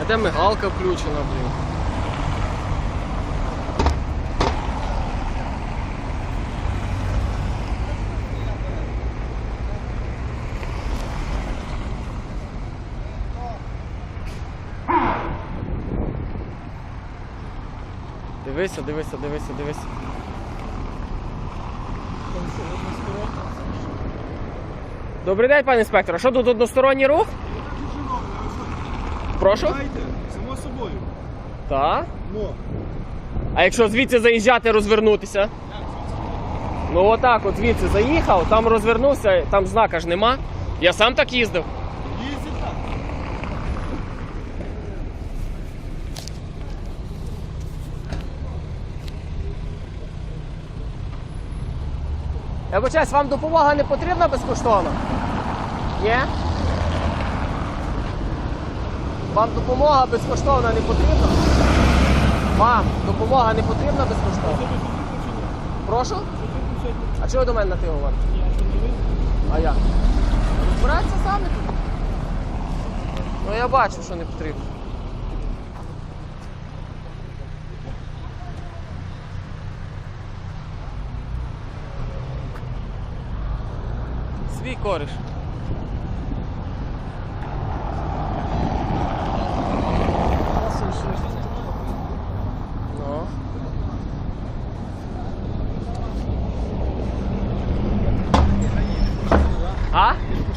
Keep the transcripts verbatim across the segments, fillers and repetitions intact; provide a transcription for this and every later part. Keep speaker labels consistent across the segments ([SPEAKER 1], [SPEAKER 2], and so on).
[SPEAKER 1] де мигалка включена, блін. Дивися, дивися, дивися, дивися. Добрий день, пане інспектор. А що тут односторонній рух? Прошу?
[SPEAKER 2] Само собою.
[SPEAKER 1] Так.
[SPEAKER 2] Ну.
[SPEAKER 1] А якщо звідси заїжджати, розвернутися? Ну отак, от звідси заїхав, там розвернувся, там знака ж нема. Я сам так їздив.
[SPEAKER 2] Їздить так.
[SPEAKER 1] Я вибачаюсь, вам допомога не потрібна безкоштовно? Ні? Вам допомога безкоштовна не потрібна? Вам допомога не потрібна безкоштовно? Прошу? А чого ви до мене на ти говорите? А як? Розбирайтеся самі тут. Ну я бачу, що не потрібно. Свій кориш. Ну. А?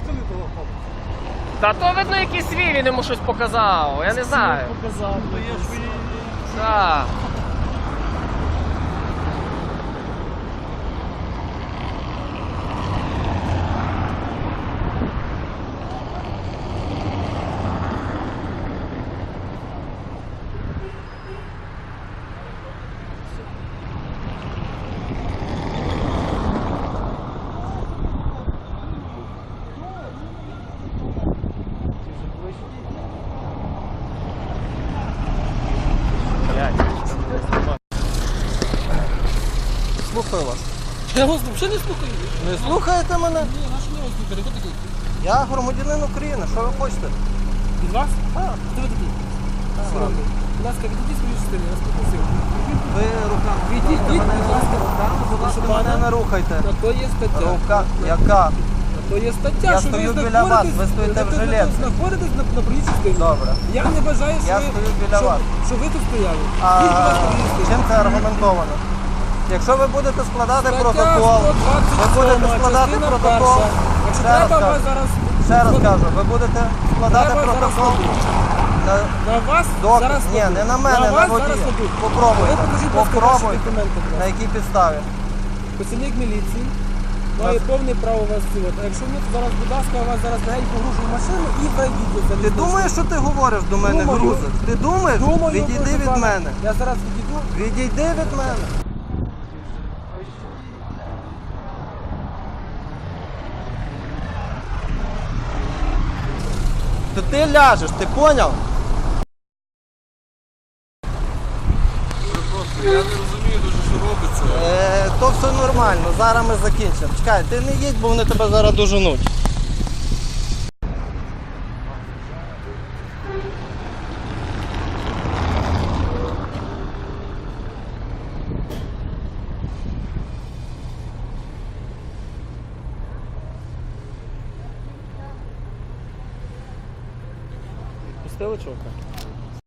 [SPEAKER 1] Та то видно якийсь свій, він йому щось показав, я не знаю.
[SPEAKER 2] Показав, то є ж свої.
[SPEAKER 1] Так.
[SPEAKER 3] Слухаю вас.
[SPEAKER 2] Я вас взагалі не слухаю.
[SPEAKER 3] Не слухаєте мене?
[SPEAKER 2] Ні, наш не вас слухати. Хто такий?
[SPEAKER 3] Я громадянин України, що ви хочете?
[SPEAKER 2] Від вас?
[SPEAKER 3] Так.
[SPEAKER 2] Хто ви такий?
[SPEAKER 3] ладно.
[SPEAKER 2] Будь ласка, відійдіть з моєї частини, я вас попросив.
[SPEAKER 3] Ви руками
[SPEAKER 2] Відійдіть,
[SPEAKER 3] мене
[SPEAKER 2] будь ласка,
[SPEAKER 3] руками, будь ласка,
[SPEAKER 2] Прошу
[SPEAKER 3] мене
[SPEAKER 2] пана.
[SPEAKER 3] не рухайте.
[SPEAKER 2] На то є стаття.
[SPEAKER 3] Рука, яка?
[SPEAKER 2] На то є стаття,
[SPEAKER 3] Я
[SPEAKER 2] що
[SPEAKER 3] стою
[SPEAKER 2] ви
[SPEAKER 3] біля вас,
[SPEAKER 2] знаходитесь-
[SPEAKER 3] ви стоїте в
[SPEAKER 2] ви
[SPEAKER 3] жилетці.
[SPEAKER 2] знаходитесь на, на проїзній частині.
[SPEAKER 3] Добре.
[SPEAKER 2] Я не бажаю, що
[SPEAKER 3] Я
[SPEAKER 2] ви,
[SPEAKER 3] стою біля
[SPEAKER 2] що,
[SPEAKER 3] вас.
[SPEAKER 2] що ви тут стояли.
[SPEAKER 3] А
[SPEAKER 2] Їдь, будь ласка, проїзд частини.
[SPEAKER 3] чим це аргументовано? Якщо ви будете складати
[SPEAKER 2] Стаття
[SPEAKER 3] протокол,
[SPEAKER 2] сто двадцять
[SPEAKER 3] ви будете
[SPEAKER 2] сьома,
[SPEAKER 3] складати
[SPEAKER 2] частина
[SPEAKER 3] протокол,
[SPEAKER 2] перша. Якщо
[SPEAKER 3] ще раз
[SPEAKER 2] треба, вас
[SPEAKER 3] кажу,
[SPEAKER 2] зараз...
[SPEAKER 3] ще раз кажу, ви будете складати
[SPEAKER 2] Треба зараз
[SPEAKER 3] протокол.
[SPEAKER 2] робити.
[SPEAKER 3] на-
[SPEAKER 2] На вас
[SPEAKER 3] Доказ?
[SPEAKER 2] зараз
[SPEAKER 3] Ні,
[SPEAKER 2] ведуть.
[SPEAKER 3] не на мене, на
[SPEAKER 2] вас
[SPEAKER 3] водія.
[SPEAKER 2] зараз ведуть.
[SPEAKER 3] Попробуйте.
[SPEAKER 2] Ви покажіть, будь ласка, ваші
[SPEAKER 3] Попробуйте.
[SPEAKER 2] документи, будь
[SPEAKER 3] На
[SPEAKER 2] ласка.
[SPEAKER 3] якій підставі?
[SPEAKER 2] Працівник міліції має
[SPEAKER 3] Вас-
[SPEAKER 2] повне право вас цілити. А якщо ні, то зараз, будь ласка, вас зараз легенько гружу в машину і вийдіть.
[SPEAKER 3] Ти думаєш, що ти говориш до мене,
[SPEAKER 2] Думаю.
[SPEAKER 3] грузик? Ти думаєш?
[SPEAKER 2] Думаю,
[SPEAKER 3] Відійди
[SPEAKER 2] прошу
[SPEAKER 3] від
[SPEAKER 2] пана.
[SPEAKER 3] мене.
[SPEAKER 2] Я зараз відійду.
[SPEAKER 3] Відійди від мене. То ти ляжеш, ти поняв?
[SPEAKER 2] Я не розумію дуже, що робиться.
[SPEAKER 3] Е, то все нормально, зараз ми закінчимо. Чекай, ти не їдь, бо вони тебе зараз доженуть.
[SPEAKER 1] Пустили чувака?